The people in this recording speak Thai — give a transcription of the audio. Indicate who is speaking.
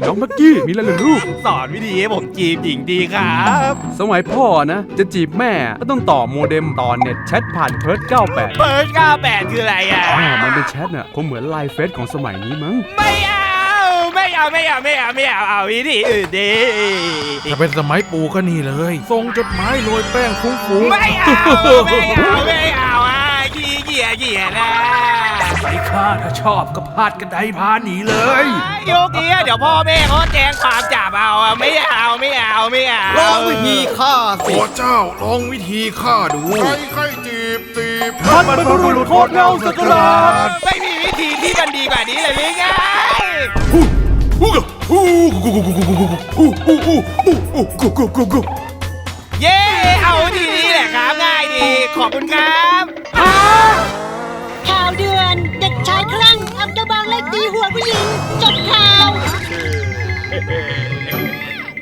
Speaker 1: น้องมักกี้มีอะไรเหรอลูก
Speaker 2: สอนวิธีให้ผมจีบหญิงดีครับ
Speaker 1: สมัยพ่อนะจะจีบแม่ก็ต้องต่อโมเด็มต่อเน็ตแชทผ่านเพิร์ด98
Speaker 2: เปิด98คืออะไรอ่ะ
Speaker 1: มันเป็นแชทน่ะคงเหมือนไลน์เฟซของสมัยนี้มั้ง
Speaker 2: ไม่เอาเอาวิธีอื่นดิ
Speaker 3: ถ้าเป็นสมัยปู่ก็นี่เลยส่งจดหมายโรยแป้งฟุ้งๆ
Speaker 2: ไม่เอาอ่ะขี้เกียจนะ
Speaker 3: ไปข้าถ้าชอบก็พาดกันไดพาหนีเลย
Speaker 2: ยกนี้เดี๋ยวพ่อแม่เขาแจ้งความจับเอาไม่เอา
Speaker 4: ลองวิธีฆ่า
Speaker 3: โอ้เจ้าลองวิธีฆ่าดูใครจีบ
Speaker 4: ท่านบรรพบุรุษโคตรเงาสักการะ
Speaker 2: ไม่มีวิธีที่มันดีกว่านี้เลยหรือไงเย้เอาทีนี้แหละครับง่ายดีขอบคุณครับ
Speaker 5: ข่าวเดือนเด็กชายคลั่งเอากระบองไล่ตีหัวผู้หญิงจบข่าว